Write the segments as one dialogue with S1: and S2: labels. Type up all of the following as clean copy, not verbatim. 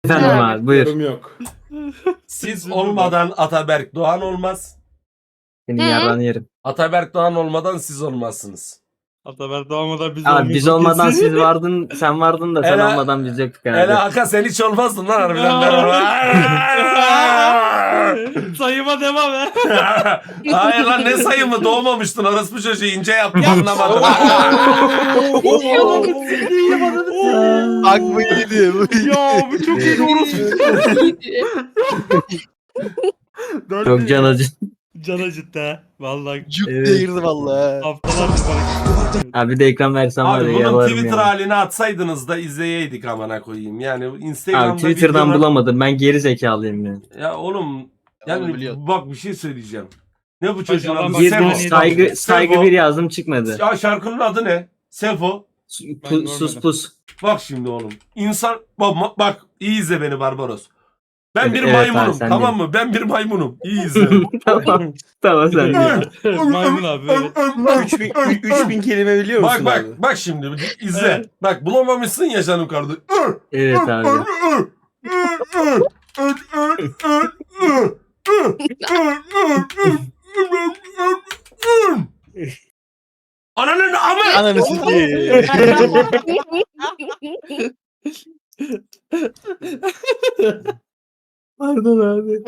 S1: Efendim abi buyur.
S2: Yorum yok.
S3: Siz olmadan Ataberk Doğan olmaz.
S1: Senin yarrağını yerim.
S3: Ataberk Doğan olmadan siz olmazsınız.
S4: Ataber doğmadan biz
S1: Abi biz
S4: olmuyorduk
S1: olmadan
S4: kesin.
S1: siz vardın, sen vardın da sen
S3: Ela-
S1: olmadan biz yoktuk abi.
S3: Hele Aka sen hiç olmazdın lan harbiden.
S4: Sayıma devam et.
S3: Hayır lan ne sayımı doğmamıştın orospu çocuğu ince yaptım anlamadım.
S5: Bak bu iyiydi. Bu iyiydi.
S4: Ya bu çok iyi orospu.
S1: Çok can acı.
S4: Can acıttı ha. Vallahi
S5: Cuk
S1: Evet.
S5: diye girdi valla.
S4: haftalardır bana.
S1: Abi bir de ekran versem var
S3: Abi
S1: ya
S3: bunun
S1: yalarım
S3: Twitter
S1: ya.
S3: halini atsaydınız da izleyeydik amına koyayım. Yani Instagram'da
S1: Abi Twitter'dan
S3: videolar-
S1: bulamadım. Ben geri zekalıyım ya.
S3: Ya oğlum yani
S5: biliyorum.
S3: bak bir şey söyleyeceğim. Ne bu çocuğun
S4: Adam
S3: adı?
S4: bak,
S1: Girdim
S4: Sefo.
S1: saygı bir yazdım çıkmadı.
S3: Ya şarkının adı ne? Sefo.
S1: Sus pus.
S3: Bak şimdi oğlum. İnsan bak iyi izle beni Barbaros. Ben bir
S1: Evet,
S3: maymunum
S1: abi, sen
S3: tamam mı? Ben bir maymunum. İyi izle.
S1: Tamam. Tamam sen de.
S4: Maymun abi böyle.
S2: 3000 kelime biliyor musun
S3: bak
S2: abi?
S3: bak şimdi izle.
S4: Evet.
S3: Bak bulamamışsın ya canım kardeşim.
S1: Evet abi.
S3: Ananın amı.
S5: Ananı sikeyim.
S1: Pardon abi.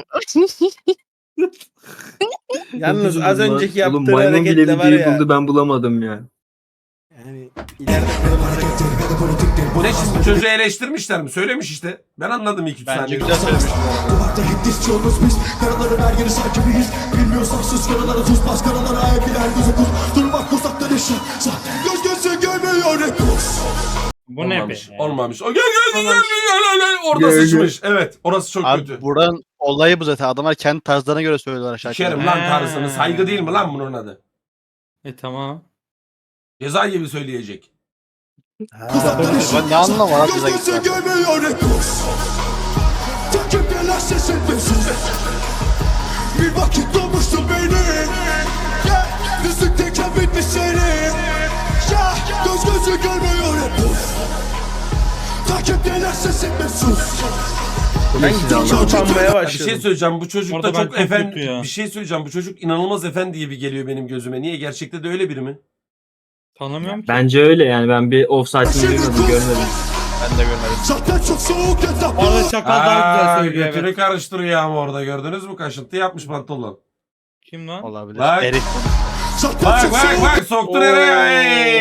S2: Yalnız az önceki
S1: Oğlum
S2: yaptığı
S1: maymun bile
S2: hareketle var
S1: videoyu
S2: ya.
S1: buldu ben bulamadım ya.
S2: Yani ileride
S3: Bu ne şimdi çocuğu eleştirmişler mi? Söylemiş işte. Ben anladım 2-3
S5: Bence
S3: saniye.
S5: güzel söylemiş.
S6: Duvakta hit yolumuz biz. Karaları ver yeri sanki miyiz? Bilmiyorsan sus karalara sus. Bas karalara ayak iler göze kus. Durmak uzaktan eşya. Göz gözü görmüyor hep kus.
S4: Bu ne be?
S3: Olmamış. O gel. Orada
S1: Gel,
S3: sıçmış. Evet. Orası çok kötü.
S5: Abi buranın olayı bu zaten. Adamlar kendi tarzlarına göre söylüyorlar
S3: Şerim
S5: şarkıları.
S3: lan tarzını. Saygı değil mi lan bunun adı?
S4: Tamam.
S3: Ceza gibi söyleyecek.
S6: Uzaktan eşya.
S5: Ben ne anlamı var abi
S6: Göz
S5: bize
S6: gözü
S5: gitmez.
S6: görmüyor hep kus. Takip gelen sesin mesut. Bir vakit doğmuştu beni. Müzikteyken bitmiş seni. Göz gözü görmüyor hep kus. Takip gelen sesin mesut.
S2: ben gittikçe utanmaya
S3: Bir şey
S2: başladım.
S3: söyleyeceğim. Bu çocuk
S4: Orada
S3: da
S4: ben
S3: çok
S4: çok
S3: efendi.
S4: kötü ya.
S3: Bir şey söyleyeceğim. Bu çocuk inanılmaz efendi gibi geliyor benim gözüme. Niye? Gerçekte de öyle biri mi?
S4: Tanımıyorum ki.
S1: Bence öyle yani ben bir offside'ını duymadım görmedim.
S5: Ben de görmedim.
S6: Zaten çok soğuk etap.
S4: Orada çakal daha güzel söylüyor
S3: götünü
S4: evet.
S3: karıştırıyor ama orada gördünüz mü? Kaşıntı yapmış pantolon.
S4: Kim lan?
S5: Olabilir.
S3: Bak.
S5: Erik.
S6: Zaten
S3: Bak
S6: çok
S3: bak
S6: soğuk.
S3: bak soktu nereye?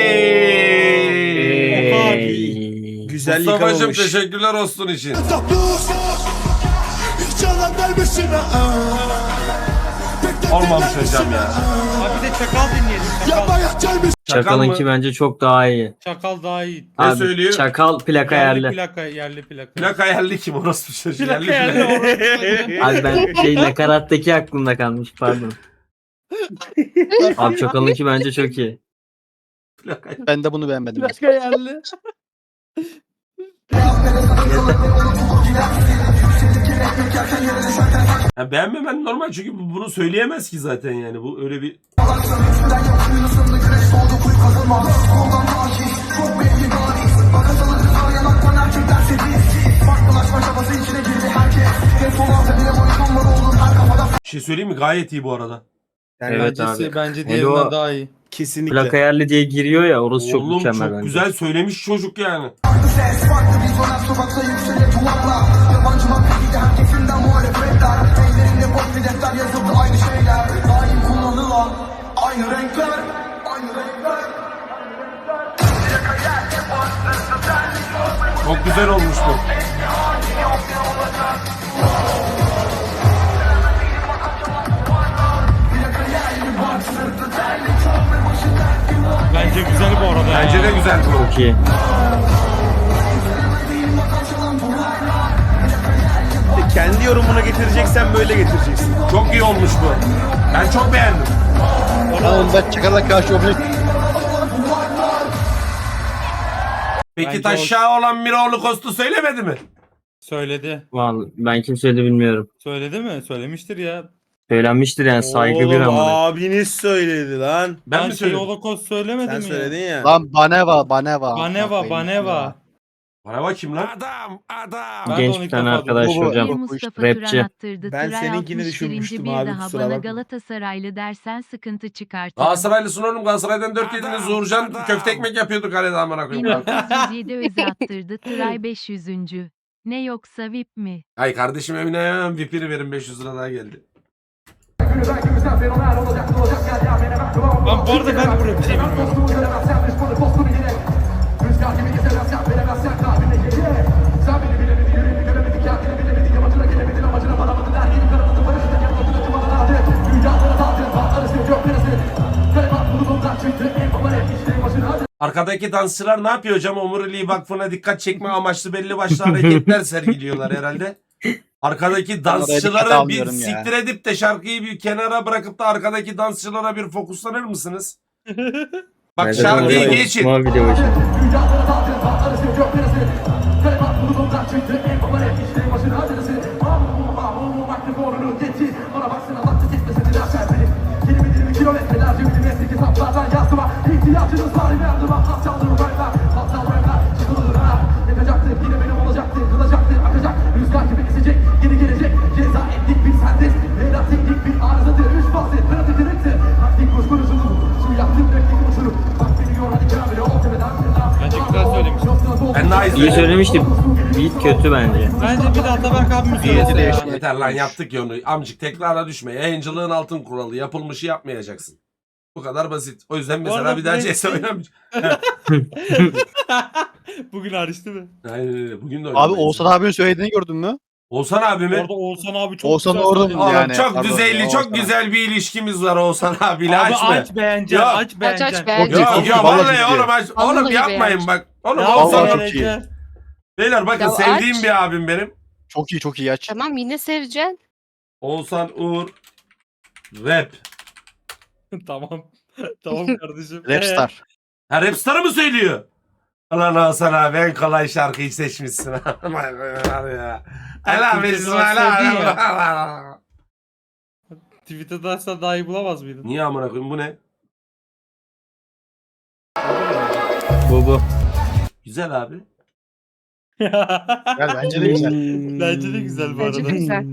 S1: Ey.
S2: Güzel
S3: Mustafa'cığım
S2: yıkamamış.
S3: teşekkürler olsun için.
S6: Etaplos. Hiç yalan vermesin ha.
S3: Olmamış hocam ya.
S4: Abi bir de çakal dinleyelim. Çakal.
S6: Yapmaya gelmiş.
S1: Çakal'ınki bence çok daha iyi.
S4: Çakal daha iyi.
S3: Ne
S1: Abi,
S3: söylüyor?
S1: Çakal plaka
S4: Yerli
S1: yerli.
S4: plaka, yerli plaka.
S3: Plaka yerli kim orospu çocuğu?
S4: Plaka
S3: Yerli
S4: yerli.
S3: plaka.
S1: Abi ben nakarattaki aklımda kalmış pardon. Abi Çakal'ınki bence çok iyi.
S3: Plaka.
S5: Ben de bunu beğenmedim.
S4: yerli.
S3: Ya beğenmemen normal çünkü bunu söyleyemez ki zaten yani. Bu öyle bir... Bir şey söyleyeyim mi? Gayet iyi bu arada.
S2: Yani
S1: Evet
S4: Bence, bence
S1: Hele
S4: diğerinden
S1: o-
S4: daha iyi.
S2: kesinlikle.
S1: Plaka yerli diye giriyor ya orası çok
S3: Oğlum
S1: mükemmel
S3: çok
S1: bence.
S3: güzel söylemiş çocuk yani. Çok güzel olmuş bu.
S4: Bence güzel bu arada ya.
S3: Bence de güzel bu.
S1: Çok iyi.
S2: Kendi yorumuna getireceksen böyle getireceksin.
S3: Çok iyi olmuş bu. Ben çok beğendim.
S5: Lan ben çakala karşı objekt.
S3: Peki
S4: Bence
S3: taşağı olan Miroğlu Kostu söylemedi mi?
S4: Söyledi.
S1: Vallahi ben kimseyi de bilmiyorum.
S4: Söyledi mi? Söylemiştir ya.
S1: Söylenmiştir yani saygı bir
S2: Oğlum,
S1: amına.
S2: abiniz söyledi lan.
S3: Ben mi
S4: şey
S3: söyledim?
S4: Holocaust söylemedim
S2: Sen
S4: ya.
S2: söyledin ya.
S5: Lan Baneva.
S4: Baneva, Baneva.
S3: Bana bakayım lan. Adam.
S4: Ben de
S1: Genç
S4: onu
S1: bir
S4: ilk
S1: tane
S4: defa
S1: arkadaş
S4: duydum.
S5: Bu-
S1: hocam.
S7: Bir Mustafa
S1: rapçi.
S7: Turan attırdı.
S2: Ben
S7: Tıray
S2: seninkini
S7: 61.
S2: düşünmüştüm
S7: bir
S2: abi,
S7: daha
S2: kusura
S7: bana
S2: bakma.
S7: Galatasaraylı dersen sıkıntı çıkartırım.
S3: Galatasaraylısın oğlum. Galatasaray'dan 4 yediniz. Uğurcan köfte ekmek yapıyordu kalede amına koyayım.
S7: 1907 öze attırdı. Tıray 500. Ne yoksa VIP mi?
S3: Ay kardeşim Emine hemen VIP'ini verin 500 lira daha geldi.
S4: Lan bu arada ben bu rapçiyi bilmiyorum.
S3: Arkadaki dansçılar ne yapıyor hocam? Omuriliği Vakfı'na dikkat çekme amaçlı belli başlı hareketler sergiliyorlar herhalde. Arkadaki
S5: dikkat
S3: dansçıları bir
S5: almıyorum ya.
S3: siktir edip de şarkıyı bir kenara bırakıp da arkadaki dansçılara bir fokuslanır mısınız? Bak
S1: Bence
S3: şarkıyı
S1: hocam
S3: geçin.
S1: Osman video başı.
S4: Bence güzel söylemiş.
S3: Ben daha
S1: İyi
S3: izledim.
S1: söylemişti. Beat kötü bence.
S4: Bence bir de Ataberk abimiz söylese ya.
S3: Yeter lan yaptık ya onu. Amcık tekrara düşme. Yayıncılığın altın kuralı. Yapılmışı yapmayacaksın. Bu kadar basit. O yüzden mesela
S4: arada
S3: bir daha
S4: bu-
S3: CS oynamayacağım.
S4: Bugün hariç değil mi?
S3: Aynen öyle. Bugün de
S5: Abi
S3: oynamayız.
S5: Oğuzhan abinin söylediğini gördün mü?
S3: Oğuzhan abi mi?
S4: Orada Oğuzhan abi çok
S5: Oğuzhan
S4: güzel
S5: orada
S4: söyledi.
S5: mı
S3: Oğlum
S5: yani?
S3: çok
S5: Pardon,
S3: düzeyli,
S5: Oğuzhan
S3: çok
S5: abi.
S3: güzel bir ilişkimiz var Oğuzhan abiyle.
S4: Abi
S3: Açma.
S4: aç beğeneceksin,
S3: Yok.
S4: aç beğeneceksin.
S7: beğeneceksin.
S3: Yok
S5: Çok iyi,
S3: yok
S5: vallahi
S3: vallahi
S5: çok iyi.
S3: oğlum aç. Oğlum
S7: Vallahi
S3: yapmayın
S7: beğeneceksin.
S3: bak. Oğlum
S4: Ya
S3: Oğuzhan
S5: vallahi
S3: abi.
S5: çok iyi.
S3: Beyler bakın
S7: Ya
S3: sevdiğim
S7: aç.
S3: bir abim benim.
S5: Çok iyi çok iyi aç.
S7: Tamam yine seveceksin.
S3: Oğuzhan Uğur Rap.
S4: Tamam. Tamam kardeşim.
S5: Rapstar.
S3: Ha Rapstar'ı mı söylüyor? Ulan Oğuzhan abi en kolay şarkıyı seçmişsin. ya. Helal
S4: Türkçe
S3: olsun,
S4: sanat
S3: helal
S4: sevdin ya.
S3: olsun.
S4: Twitter'da açsan daha iyi bulamaz mıydın?
S3: Niye amına koyayım bu ne?
S1: Bu.
S3: Güzel abi.
S5: Gel bence de güzel.
S4: Bence de güzel bu
S7: Bence
S4: arada.
S7: de güzel.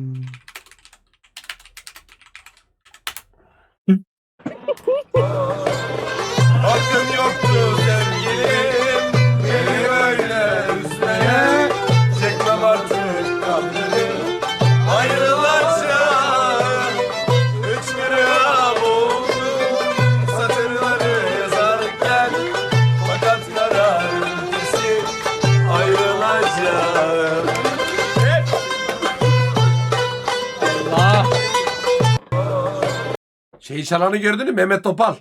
S3: Hakkın yoktu sevgilim beni böyle üzmeye. Çekmem artık kahrını ayrılacağım. 3 gram oldu satırları yazarken. Fakat kararım kesin ayrılacağım.
S4: Allah.
S3: Şeyi çalanı gördün mü? Mehmet Topal.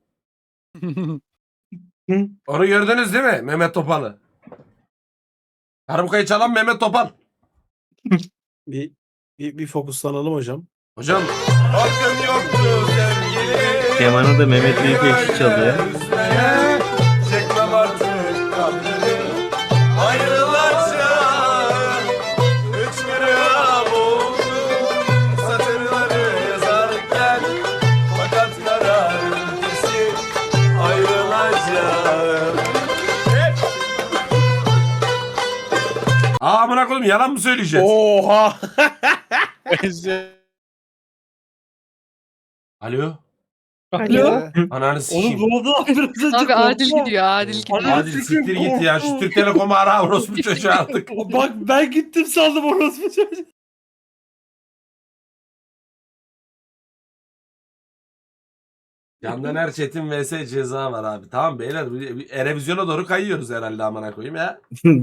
S3: Onu gördünüz değil mi? Mehmet Topal'ı. Karımkayı çalan Mehmet Topal.
S2: Bir fokuslanalım hocam.
S3: Hocam. Hakkın yoktu sevgilim.
S1: Kemanı da Mehmet Büyükekşi çalıyor.
S3: Üzmeye çekmem artık kahrını ayrılacağım. 3 gram oldu satırları yazarken. Fakat kararım kesin ayrılacağım. Aa amına koyayım yalan mı söyleyeceğiz?
S2: Oha.
S3: Alo.
S4: Alo.
S3: Ananı
S4: Oğlum
S3: sikeyim.
S4: ne oldu? Biraz önce
S7: Abi adil
S4: korkma.
S7: gidiyor adil gidiyor.
S4: Adil
S3: Adil siktir git ya. Şu Türk Telekom'u ara orospu çocuğu artık.
S4: Bak ben gittim sandım orospu çocuğu.
S3: Yandan her Çetin vs ceza var abi. Tamam beyler. Erevizyona doğru kayıyoruz herhalde amına koyayım ya.